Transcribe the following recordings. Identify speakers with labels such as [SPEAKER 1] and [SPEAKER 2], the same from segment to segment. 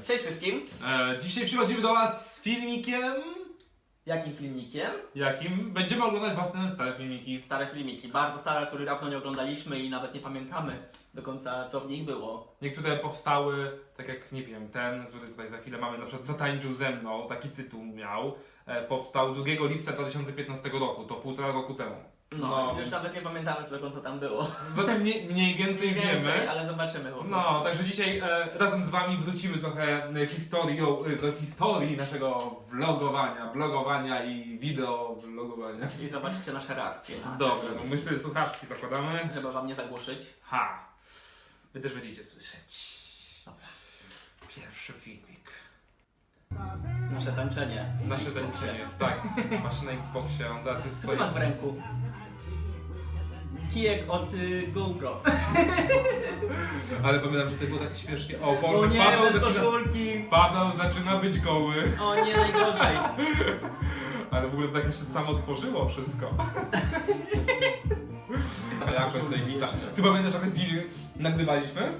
[SPEAKER 1] Cześć wszystkim.
[SPEAKER 2] Dzisiaj przychodzimy do Was z filmikiem.
[SPEAKER 1] Jakim filmikiem?
[SPEAKER 2] Jakim? Będziemy oglądać własne stare filmiki.
[SPEAKER 1] Stare filmiki, bardzo stare, których dawno nie oglądaliśmy i nawet nie pamiętamy do końca, co w nich było.
[SPEAKER 2] Niektóre powstały, tak jak nie wiem, ten, który tutaj za chwilę mamy, na przykład Zatańczył ze mną, taki tytuł miał. Powstał 2 lipca 2015 roku, to 1,5 roku temu.
[SPEAKER 1] No, już
[SPEAKER 2] więc
[SPEAKER 1] nawet nie pamiętamy, co do końca tam było.
[SPEAKER 2] zatem mniej więcej wiemy.
[SPEAKER 1] Ale zobaczymy po prostu.
[SPEAKER 2] No, także dzisiaj razem z Wami wrócimy trochę do historii naszego blogowania i wideo vlogowania.
[SPEAKER 1] I zobaczycie nasze reakcje na
[SPEAKER 2] Dobra, no my sobie słuchawki zakładamy.
[SPEAKER 1] żeby wam nie zagłuszyć.
[SPEAKER 2] Ha! Wy też będziecie słyszeć.
[SPEAKER 1] Dobra.
[SPEAKER 2] Pierwszy filmik.
[SPEAKER 1] Nasze tańczenie.
[SPEAKER 2] Nasze tańczenie. Tak, masz na Xboxie, on teraz jest
[SPEAKER 1] Co ty masz w ręku? Kijek od GoPro.
[SPEAKER 2] Ale pamiętam, że to było tak śmiesznie. O Boże,
[SPEAKER 1] O nie, bez koszulki.
[SPEAKER 2] Paweł zaczyna być goły.
[SPEAKER 1] O nie, najgorzej.
[SPEAKER 2] Ale w ogóle to tak jeszcze samo tworzyło wszystko. A jak jest zajebista. Ty pamiętasz, jak ten film nagrywaliśmy?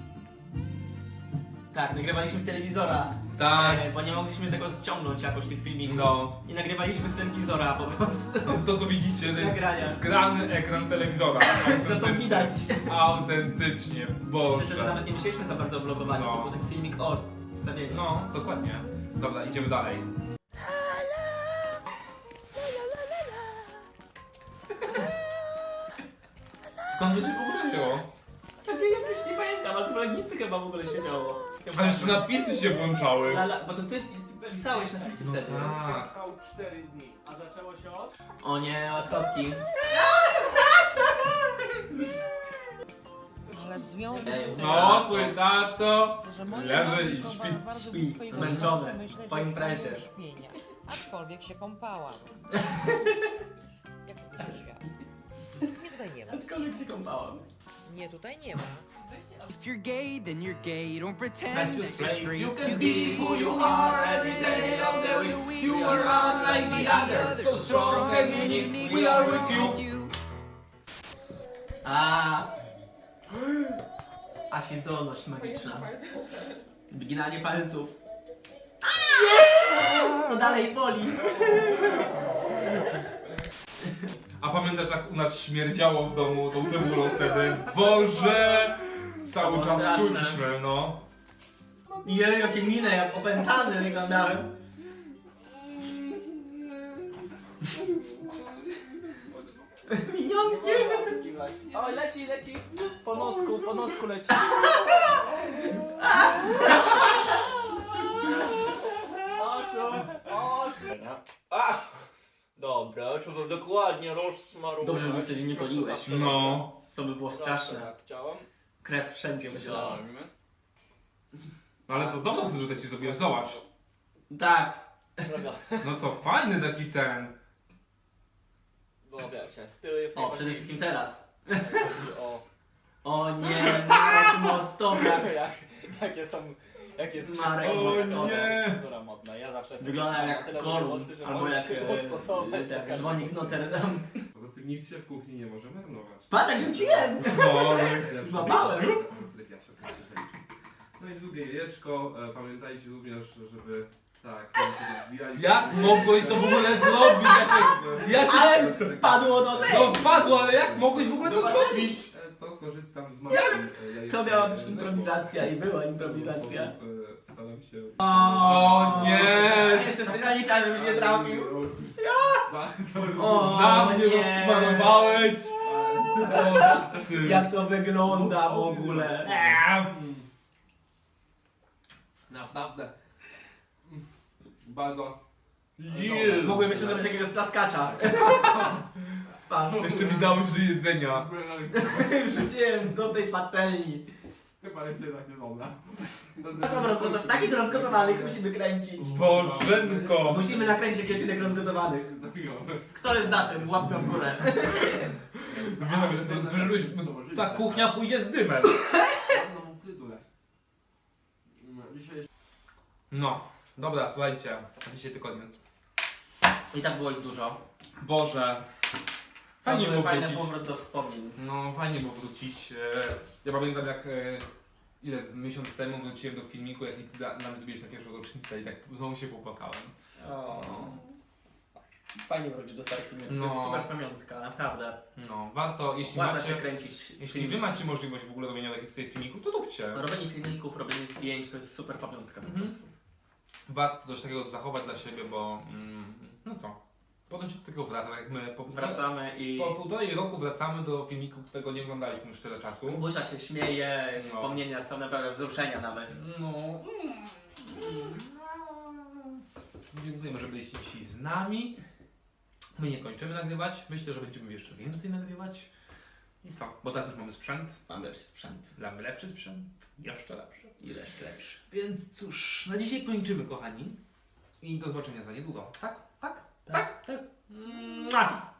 [SPEAKER 1] Tak, nagrywaliśmy z telewizora.
[SPEAKER 2] Tak.
[SPEAKER 1] Bo nie mogliśmy tego ściągnąć jakoś tych filmików.
[SPEAKER 2] No.
[SPEAKER 1] I nagrywaliśmy z telewizora po prostu.
[SPEAKER 2] Więc to co widzicie, to jest
[SPEAKER 1] Nagrania.
[SPEAKER 2] zgrany ekran telewizora.
[SPEAKER 1] Zresztą widać.
[SPEAKER 2] Autentycznie, Boże.
[SPEAKER 1] Wtedy nawet nie myśleliśmy za bardzo o vlogowaniu,
[SPEAKER 2] No.
[SPEAKER 1] to był taki filmik o wstawieniu.
[SPEAKER 2] No, dokładnie. Dobra, idziemy dalej. Skąd to się w ogóle wzięło?
[SPEAKER 1] Takie jakoś nie pamiętam, ale to w Legnicy chyba w ogóle się działo.
[SPEAKER 2] Ale jeszcze napisy się włączały.
[SPEAKER 1] Bo to ty pisałeś napisy wtedy.
[SPEAKER 2] Tak.
[SPEAKER 3] Trwał 4 dni, a zaczęło się od...
[SPEAKER 1] O nie, łaskotki.
[SPEAKER 4] Ale w związku z
[SPEAKER 1] Ej,
[SPEAKER 4] tym,
[SPEAKER 2] No, twój tato
[SPEAKER 4] że moje
[SPEAKER 2] leży
[SPEAKER 4] nogi
[SPEAKER 2] i
[SPEAKER 4] są
[SPEAKER 2] śpi.
[SPEAKER 4] bardzo
[SPEAKER 1] Śpi,
[SPEAKER 4] blisko jego
[SPEAKER 1] zmęczony,
[SPEAKER 4] brzucha, myślę,
[SPEAKER 1] po
[SPEAKER 4] że jest
[SPEAKER 1] imprezie.
[SPEAKER 4] w stanie do śpienia. Aczkolwiek się kąpałam. Jak to się świat? Nie, tutaj nie ma.
[SPEAKER 1] Aczkolwiek się kąpałam.
[SPEAKER 4] Nie, tutaj nie ma.
[SPEAKER 5] If you're gay, then you're gay. Don't
[SPEAKER 1] That
[SPEAKER 5] pretend
[SPEAKER 1] you're
[SPEAKER 5] that you're
[SPEAKER 1] straight.
[SPEAKER 5] straight.
[SPEAKER 1] You can be who you are every day of the week. You are unlike the others, so strong and unique. We are with you. Asi zdolność magiczna. Wyginanie palców. To dalej boli.
[SPEAKER 2] A pamiętasz, jak u nas śmierdziało w domu tą cebulą wtedy? Boże! Cały
[SPEAKER 1] było
[SPEAKER 2] czas
[SPEAKER 1] straszne.
[SPEAKER 2] czuliśmy, no.
[SPEAKER 1] Jej, jakie minę, jak opętany wyglądałem. Minionkiem! Oj, leci. Po nosku leci.
[SPEAKER 3] Dobra, trzeba dokładnie rozsmarować.
[SPEAKER 1] Dobrze, że mnie wtedy nie goliłeś.
[SPEAKER 2] No.
[SPEAKER 1] To by było straszne.
[SPEAKER 3] Tak, chciałem.
[SPEAKER 1] Krew wszędzie myślałem.
[SPEAKER 2] Ale co, dobrze, że tutaj ci zrobiłem, zobacz.
[SPEAKER 1] Tak.
[SPEAKER 2] No co, fajny taki ten.
[SPEAKER 3] No wiecie, styl jest
[SPEAKER 1] O, przede wszystkim teraz.
[SPEAKER 3] O,
[SPEAKER 1] O nie, Marek Mostowiak.
[SPEAKER 3] jakie jest
[SPEAKER 1] Marek
[SPEAKER 3] o
[SPEAKER 1] Mostowiak.
[SPEAKER 2] nie.
[SPEAKER 3] która modna. Ja zawsze
[SPEAKER 1] Wygląda
[SPEAKER 3] na
[SPEAKER 1] jak
[SPEAKER 3] tyle
[SPEAKER 1] Gollum,
[SPEAKER 3] mocny, że
[SPEAKER 1] albo
[SPEAKER 3] mogę
[SPEAKER 1] jak
[SPEAKER 3] się dostosować do
[SPEAKER 1] jak
[SPEAKER 3] każdego.
[SPEAKER 1] dzwonik z Notre Dame.
[SPEAKER 2] Poza tym nic się w kuchni nie może marnować.
[SPEAKER 1] Patrz, jak rzuciłem!
[SPEAKER 2] No,
[SPEAKER 1] Złapałem.
[SPEAKER 2] No i drugie jajeczko. Pamiętajcie również, żeby... Tak, wbijać. Jak mogłeś to w ogóle zrobić? Ja się...
[SPEAKER 1] Ale padło do tej!
[SPEAKER 2] No wpadło, ale jak mogłeś w ogóle to
[SPEAKER 1] No,
[SPEAKER 2] zrobić? To korzystam z mapy.
[SPEAKER 1] To miała być improwizacja i była improwizacja.
[SPEAKER 2] Staram się...
[SPEAKER 1] O
[SPEAKER 2] nie!
[SPEAKER 1] Jeszcze specjalnie chciałem, żebyś nie trafił. O,
[SPEAKER 2] Na mnie
[SPEAKER 1] nie.
[SPEAKER 2] rozsmarowałeś!
[SPEAKER 1] Jak to wygląda w ogóle.
[SPEAKER 2] Naprawdę. Bardzo.
[SPEAKER 1] Mogłem jeszcze zrobić jakiegoś plaskacza. Pan.
[SPEAKER 2] Jeszcze mi dałeś do jedzenia.
[SPEAKER 1] Wrzuciłem do tej patelni.
[SPEAKER 2] Chyba jeszcze tak nie dobra.
[SPEAKER 1] Takich rozgotowanych musimy kręcić.
[SPEAKER 2] Bożenko!
[SPEAKER 1] Musimy nakręcić taki odcinek rozgotowanych. Kto jest za tym? Łapkę w górę.
[SPEAKER 2] Ta kuchnia pójdzie z dymem. No, dobra, słuchajcie. Dzisiaj to koniec.
[SPEAKER 1] I tak było ich dużo.
[SPEAKER 2] Boże. Fajnie było
[SPEAKER 1] Fajny
[SPEAKER 2] wrócić.
[SPEAKER 1] powrót do wspomnień.
[SPEAKER 2] No, fajnie było wrócić. Ja pamiętam jak miesiąc temu wróciłem do filmiku, jaki ty nam zrobiłeś na pierwszą rocznicę i tak znowu się popłakałem.
[SPEAKER 3] O. Fajnie wrócić do starych filmów, to
[SPEAKER 2] No.
[SPEAKER 3] jest super pamiątka, naprawdę.
[SPEAKER 2] No, warto, jeśli
[SPEAKER 3] Opłaca się
[SPEAKER 2] macie,
[SPEAKER 3] kręcić
[SPEAKER 2] jeśli wy macie możliwość w ogóle robienia takich sobie filmików, to róbcie.
[SPEAKER 3] Robienie filmików, robienie zdjęć to jest super pamiątka po
[SPEAKER 2] Mhm.
[SPEAKER 3] prostu.
[SPEAKER 2] Warto coś takiego zachować dla siebie, bo no co, potem się do tego wraca, tak jak my
[SPEAKER 3] Wracamy i
[SPEAKER 2] po półtorej roku wracamy do filmiku, którego nie oglądaliśmy już tyle czasu.
[SPEAKER 3] Buzia się śmieje,
[SPEAKER 2] No.
[SPEAKER 3] wspomnienia są naprawdę wzruszenia nawet.
[SPEAKER 2] No. Dziękujemy, że byliście dzisiaj z nami. My nie kończymy nagrywać. Myślę, że będziemy jeszcze więcej nagrywać. I co? Bo teraz już mamy sprzęt.
[SPEAKER 3] Mam lepszy sprzęt.
[SPEAKER 2] Mamy lepszy sprzęt. Jeszcze lepszy.
[SPEAKER 3] Ile lepszy.
[SPEAKER 2] Więc cóż, na dzisiaj kończymy, kochani. I do zobaczenia za niedługo. Tak? Tak?
[SPEAKER 3] Tak? Tak.
[SPEAKER 2] Mua!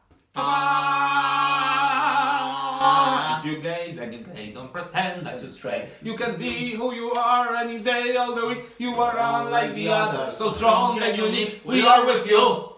[SPEAKER 2] If you're gay, then you're gay. Don't pretend that you're straight. You can be who you are any day, all the week. You are unlike the others, so strong and unique. We are with you.